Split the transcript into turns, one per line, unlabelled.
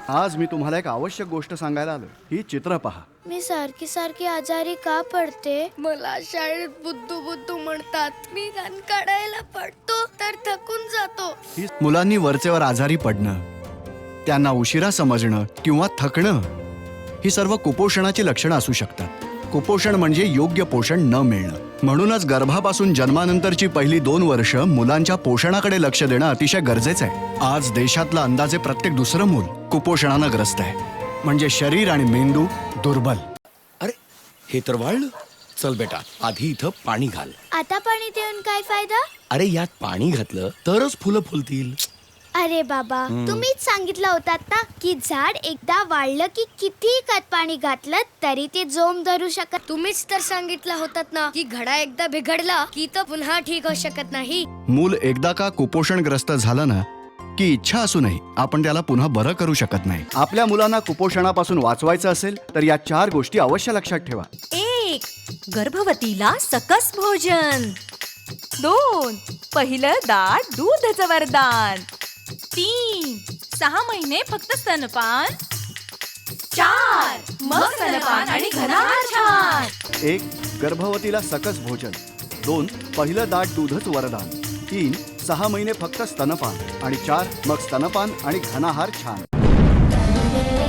आज मी तुम्हाला एक आवश्यक गोष्ट सांगायला आलो. ही चित्र पहा.
मी सारखी सारखी आजारी का पडते? मला शाळेत बुद्धू बुद्धू म्हणतात. मी घाण काढायला पडतो तर थकून जातो.
ही मुलांनी वरचेवर आजारी पडणं, त्यांना उशिरा समजणं किंवा थकणं, ही सर्व कुपोषणाची लक्षणं असू शकतात. कुपोषण म्हणजे योग्य पोषण न मिळणं. म्हणूनच गर्भापासून जन्मानंतरची पहिली 2 वर्ष मुलांच्या पोषणाकडे लक्ष देणं अतिशय गरजेचं आहे. आज देशातलं अंदाजे प्रत्येक दुसरं मूल कुपोषणानं ग्रस्त आहे. म्हणजे शरीर आणि मेंदू दुर्बल.
अरे हे तर वाळलं. चल बेटा, आधी इथं पाणी घाल.
आता पाणी देऊन काय फायदा?
अरे यात पाणी घातलं तरच फुलं फुलतील.
अरे बाबा, तुम्हीच सांगितलं होतात ना की झाड एकदा वाढलं की किती खत पाणी घातलं तरी ते जोम धरू शकत. तुम्हीच तर सांगितलं होतात ना की घडा एकदा बिघडला की तो पुन्हा ठीक होऊ शकत नाही.
मूल एकदा का कुपोषणग्रस्त झालं ना की इच्छा असूनही आपण त्याला पुन्हा बरं करू शकत नाही. आपल्या मुलांना कुपोषणापासून वाचवायचं असेल तर या 4 गोष्टी अवश्य लक्षात ठेवा.
1. गर्भवतीला सकस भोजन. 2. पहिलं दाट दूधाचं वरदान. 3. 6 महिने फक्त स्तनपान. 4. मग स्तनपान आणि घनाहार छान.
1. गर्भवतीला सकस भोजन. 2. पहिलं दाट दूधच वरदान. 3. 6 महिने फक्त स्तनपान आणि 4. मग स्तनपान आणि घनाहार छान.